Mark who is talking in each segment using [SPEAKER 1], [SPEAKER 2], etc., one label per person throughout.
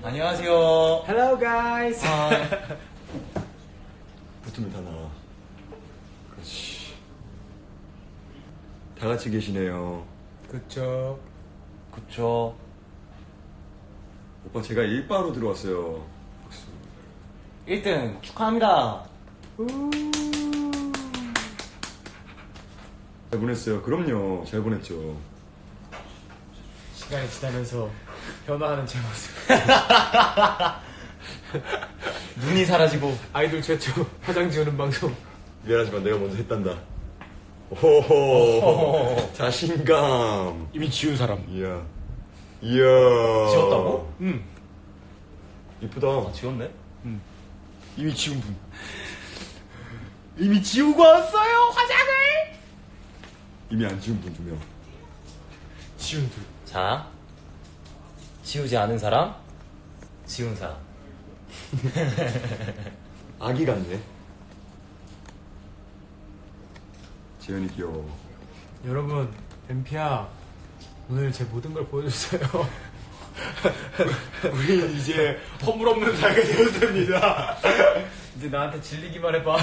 [SPEAKER 1] 안녕하세요.
[SPEAKER 2] Hello guys.
[SPEAKER 3] 붙으면 다 나와. 그렇지. 다 같이 계시네요.
[SPEAKER 2] 그쵸.
[SPEAKER 1] 그쵸.
[SPEAKER 3] 오빠 제가 일바로 들어왔어요. 박수.
[SPEAKER 1] 1등 축하합니다.
[SPEAKER 3] 잘 보냈어요. 그럼요. 잘 보냈죠.
[SPEAKER 2] 시간이 지나면서 변화하는 제 모습.
[SPEAKER 1] 눈이 사라지고.
[SPEAKER 2] 아이돌 최초 화장 지우는 방송.
[SPEAKER 3] 미안하지만 내가 먼저 했단다. 오호. 자신감.
[SPEAKER 2] 이미 지운 사람.
[SPEAKER 3] 이야.
[SPEAKER 1] 지웠다고?
[SPEAKER 2] 응.
[SPEAKER 3] 이쁘다.
[SPEAKER 1] 아, 지웠네?
[SPEAKER 2] 이미 지운 분. 이미 지우고 왔어요 화장을.
[SPEAKER 3] 이미 안 지운 분 2명.
[SPEAKER 2] 지운 둘.
[SPEAKER 1] 자, 지우지 않은 사람, 지운 사람.
[SPEAKER 3] 아기 같네. 재현이 귀여워.
[SPEAKER 2] 여러분 뱀피야 오늘 제 모든 걸 보여줬어요. 우리 이제 허물 없는 사이가 되었습니다. 이제 나한테 질리기만 해봐.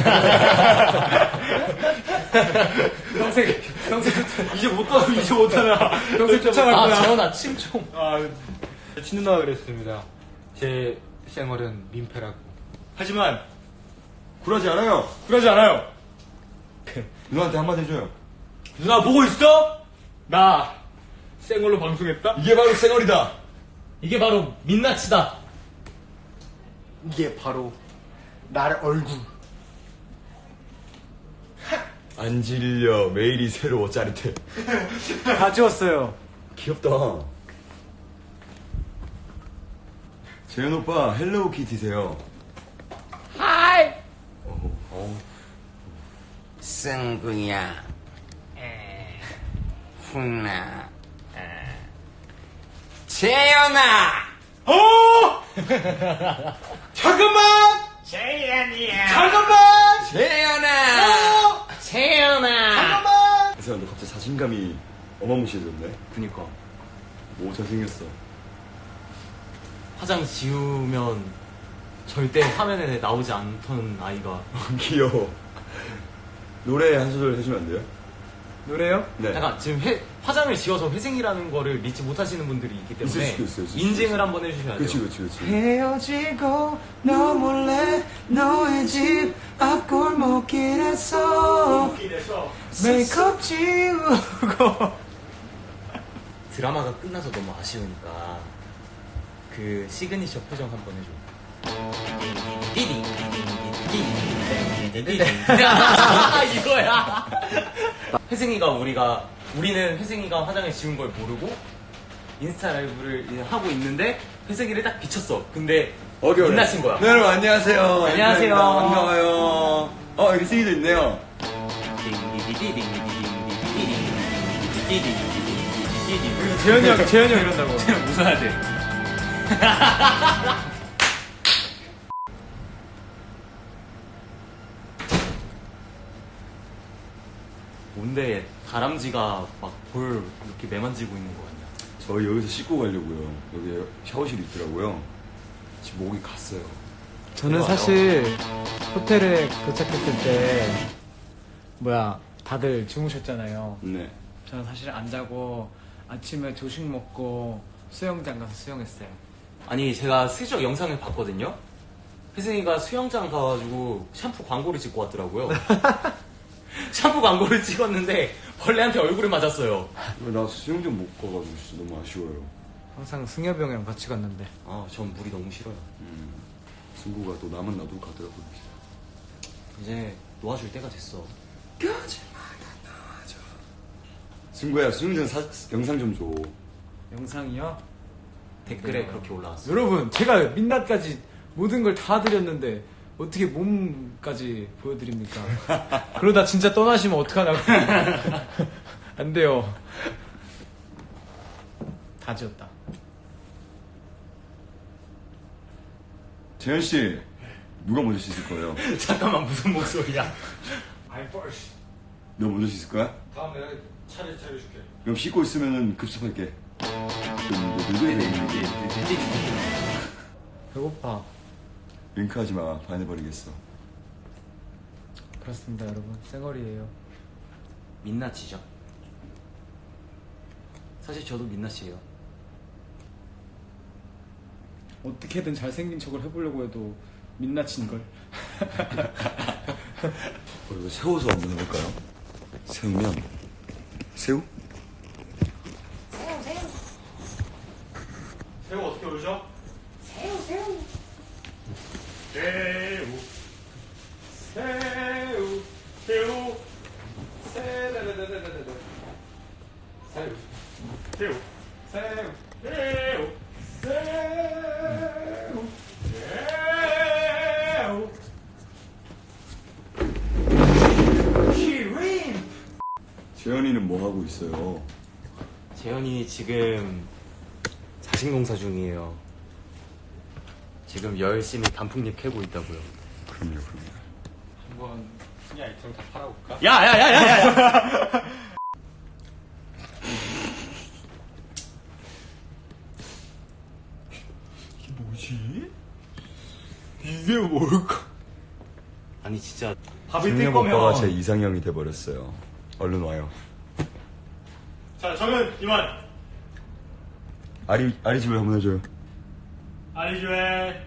[SPEAKER 2] 평생 이제 못하나. 평생 쫓아갈
[SPEAKER 1] 아,
[SPEAKER 2] 거야.
[SPEAKER 1] 재현아, 침 좀.
[SPEAKER 2] 친누나가 그랬습니다. 제 생활은 민폐라고. 하지만
[SPEAKER 3] 굴하지 않아요.
[SPEAKER 2] 그러지 않아요.
[SPEAKER 3] 누나한테 한마디 해줘요.
[SPEAKER 2] 누나 보고 있어? 나 생얼로 방송했다.
[SPEAKER 3] 이게 바로 쌩얼이다.
[SPEAKER 1] 이게 바로 민낯이다.
[SPEAKER 2] 이게 바로 나의 얼굴.
[SPEAKER 3] 안 질려. 매일이 새로워. 짜릿해.
[SPEAKER 2] 다 지웠어요.
[SPEAKER 3] 귀엽다. 재현 오빠 헬로우 키티세요.
[SPEAKER 2] 하이.
[SPEAKER 4] 승구야, 훈아, 재현아.
[SPEAKER 2] 어! 잠깐만.
[SPEAKER 4] 재현이야.
[SPEAKER 2] 잠깐만.
[SPEAKER 4] 재현아.
[SPEAKER 1] 재현아.
[SPEAKER 2] 잠깐만.
[SPEAKER 3] 그래서 너 갑자기 자신감이 어마무시해졌네.
[SPEAKER 1] 그니까.
[SPEAKER 3] 오 잘생겼어.
[SPEAKER 1] 화장 지우면 절대 화면에 나오지 않던 아이가.
[SPEAKER 3] 귀여워. 노래 한 소절 해주면 안 돼요?
[SPEAKER 2] 노래요?
[SPEAKER 3] 네.
[SPEAKER 1] 약간 지금 화장을 지워서 회생이라는 거를 믿지 못하시는 분들이 있기 때문에
[SPEAKER 3] 있을 수도 있어요, 있을 수도
[SPEAKER 1] 인증을
[SPEAKER 3] 있어요.
[SPEAKER 1] 한번 해주셔야 돼요.
[SPEAKER 3] 그치.
[SPEAKER 2] 헤어지고 너 몰래 너의 집 앞골목길에서 메이크업 지우고.
[SPEAKER 1] 드라마가 끝나서 너무 아쉬우니까 그 시그니처 표정 한번 해줘. 이거야. 우리는 회생이가 화장을 지운 걸 모르고 인스타 라이브를 이제 하고 있는데 회생이를 딱 비쳤어. 근데 빛나신 거야.
[SPEAKER 3] 네, 여러분 안녕하세요.
[SPEAKER 1] 안녕하세요.
[SPEAKER 3] 반가워요. 여기 승희도 있네요.
[SPEAKER 2] 재현이 형 이런다고.
[SPEAKER 1] 웃어야 돼. 뭔데 다람쥐가 막 볼 이렇게 매만지고 있는 거 같냐?
[SPEAKER 3] 저희 여기서 씻고 가려고요. 여기 샤워실이 있더라고요. 지금 목이 갔어요.
[SPEAKER 2] 저는
[SPEAKER 1] 대박이다.
[SPEAKER 2] 사실 호텔에 도착했을 때 다들 주무셨잖아요.
[SPEAKER 3] 네.
[SPEAKER 2] 저는 사실 안 자고 아침에 조식 먹고 수영장 가서 수영했어요.
[SPEAKER 1] 아니 제가 슬쩍 영상을 봤거든요. 혜승이가 수영장 가가지고 샴푸 광고를 찍고 왔더라고요. 샴푸 광고를 찍었는데 벌레한테 얼굴을 맞았어요.
[SPEAKER 3] 나 수영장 못 가가지고 진짜 너무 아쉬워요.
[SPEAKER 2] 항상 승엽이 형이랑 같이 갔는데.
[SPEAKER 1] 아, 전 물이 너무 싫어요.
[SPEAKER 3] 승구가 또 나만 놔두고 가더라고요.
[SPEAKER 1] 이제 놓아줄 때가 됐어.
[SPEAKER 3] 승구야 수영장 영상 좀 줘.
[SPEAKER 2] 영상이요?
[SPEAKER 1] 댓글에 그렇게 올라왔어.
[SPEAKER 2] 여러분 제가 민낯까지 모든 걸 다 드렸는데 어떻게 몸까지 보여드립니까? 그러다 진짜 떠나시면 어떡하냐고. 안 돼요. 다 지웠다.
[SPEAKER 3] 재현 씨 누가 먼저 씻을 거예요?
[SPEAKER 1] 잠깐만 무슨 목소리야?
[SPEAKER 3] 너 먼저 씻을 거야?
[SPEAKER 2] 다음 내가 차례 차려줄게.
[SPEAKER 3] 그럼 씻고 있으면은 급습할게.
[SPEAKER 2] 배고파.
[SPEAKER 3] 윙크하지 마. 반해버리겠어.
[SPEAKER 2] 그렇습니다, 여러분. 쌩얼이에요.
[SPEAKER 1] 민낯이죠. 사실 저도 민낯이에요.
[SPEAKER 2] 어떻게든 잘생긴 척을 해보려고 해도 민낯인걸.
[SPEAKER 3] 이거 세워서 한번 해볼까요? 세우면 새우?
[SPEAKER 1] 새우 어떻게 올죠? 새우. 새우. 새우. 새우. 새우.
[SPEAKER 3] 재현이는 뭐 하고 있어요?
[SPEAKER 1] 재현이 지금 자식농사 중이에요. 지금 열심히 단풍잎 캐고 있다고요.
[SPEAKER 3] 그럼요.
[SPEAKER 2] 한번 순위 아이템 다 팔아볼까?
[SPEAKER 1] 야야야야야!
[SPEAKER 3] 이게 뭐지? 이게 뭘까?
[SPEAKER 1] 아니 진짜
[SPEAKER 3] 작년 오빠가 제 이상형이 돼버렸어요. 얼른 와요.
[SPEAKER 1] 자 저는 이만
[SPEAKER 3] 아리 집을 한번 해줘요.
[SPEAKER 1] 아리주에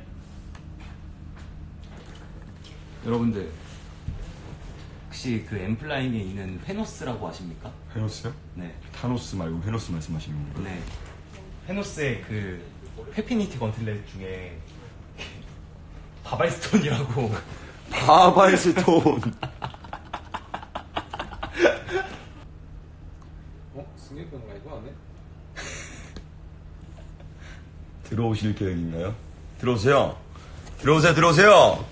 [SPEAKER 2] 여러분들,
[SPEAKER 1] 혹시 그 엠플라잉에 있는 페노스라고 아십니까?
[SPEAKER 3] 헤노스요?
[SPEAKER 1] 네.
[SPEAKER 3] 타노스 말고 헤노스 말씀하시는 건가요?
[SPEAKER 1] 네. 페노스의 그 페피니티 건틀렛 중에 바발스톤이라고
[SPEAKER 3] 바바이스톤.
[SPEAKER 2] 승객병 라이브 안 해?
[SPEAKER 3] 들어오실 계획인가요? 들어오세요. 들어오세요.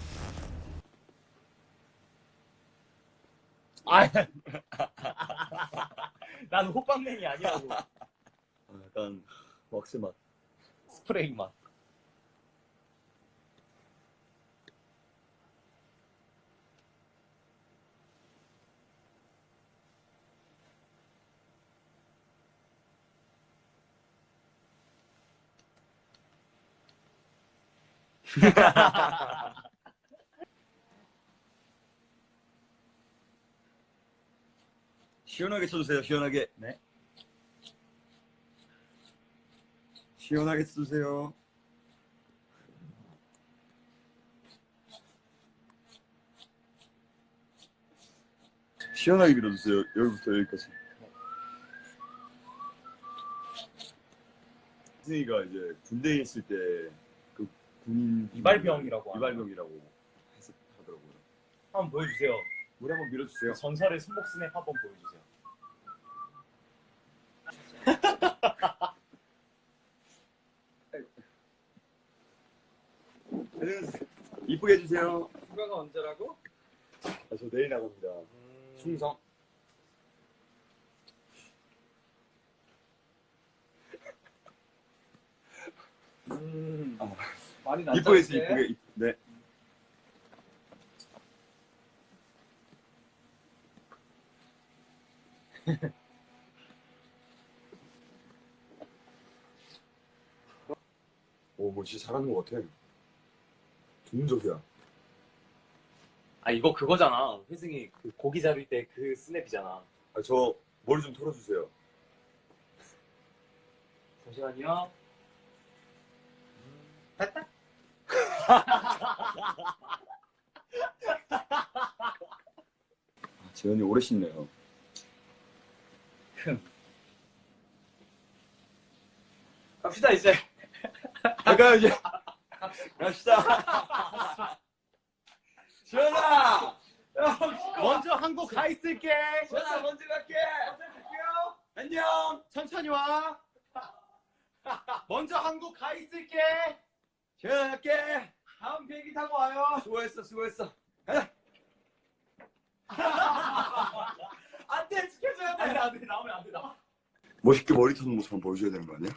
[SPEAKER 1] 난 호빵맨이 아니라고.
[SPEAKER 3] 약간 왁스 맛.
[SPEAKER 1] 스프레이 맛.
[SPEAKER 3] 시원하게 쳐주세요. 시원하게.
[SPEAKER 1] 네.
[SPEAKER 3] 시원하게 쳐주세요. 시원하게 밀어주세요. 여기부터 여기까지. 승희가 이제 군대에 있을 때 그 군인
[SPEAKER 1] 이발병이라고
[SPEAKER 3] 이발병이라고 하더라고요.
[SPEAKER 1] 한번 보여주세요.
[SPEAKER 3] 우리 한번 밀어주세요.
[SPEAKER 1] 전설의 손목 스냅 한번 보여주세요.
[SPEAKER 3] 이쁘게 해주세요.
[SPEAKER 2] 휴가가 언제라고?
[SPEAKER 3] 저 내일 나갑니다.
[SPEAKER 1] 충성.
[SPEAKER 2] 많이
[SPEAKER 3] 이쁘게 해주세요. 이쁘게. 네. 오, 뭐 진짜 잘하는 것 같아. 전문적이야.
[SPEAKER 1] 아 이거 그거잖아. 회승이 그 고기 자를 때 그 스냅이잖아.
[SPEAKER 3] 아, 저 머리 좀 털어주세요.
[SPEAKER 1] 잠시만요.
[SPEAKER 3] 재현이 오래 씻네요.
[SPEAKER 2] 갑시다 이제.
[SPEAKER 3] 가요 이제. 갑시다. 지현아.
[SPEAKER 1] 먼저 한국 가 있을게.
[SPEAKER 3] 지현아 먼저 갈게.
[SPEAKER 2] 갈게요.
[SPEAKER 3] 안녕.
[SPEAKER 1] 천천히 와. 먼저 한국 가 있을게.
[SPEAKER 3] 지현아 갈게.
[SPEAKER 2] 다음 비행기 타고 와요.
[SPEAKER 3] 수고했어. 가자.
[SPEAKER 2] 안돼, 지켜줘야 돼.
[SPEAKER 1] 안돼 나오면 안돼 나.
[SPEAKER 3] 멋있게 머리 터는 모습 한번 보여줘야 되는 거 아니야?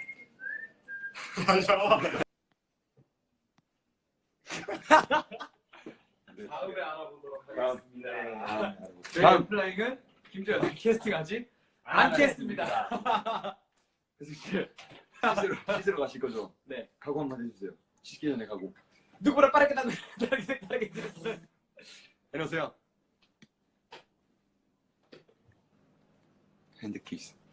[SPEAKER 2] 다음에 알아보도록 하겠습니다. 저희
[SPEAKER 3] 다음.
[SPEAKER 2] 플라잉은 김재현 캐스팅하지 않겠습니다.
[SPEAKER 3] 씻으러 가실 거죠?
[SPEAKER 2] 네.
[SPEAKER 3] 각오 한번 해주세요. 씻기 전에 각오.
[SPEAKER 2] 누구보다 빠르게 나는 빠르게
[SPEAKER 3] 내려오세요. 핸드 키스.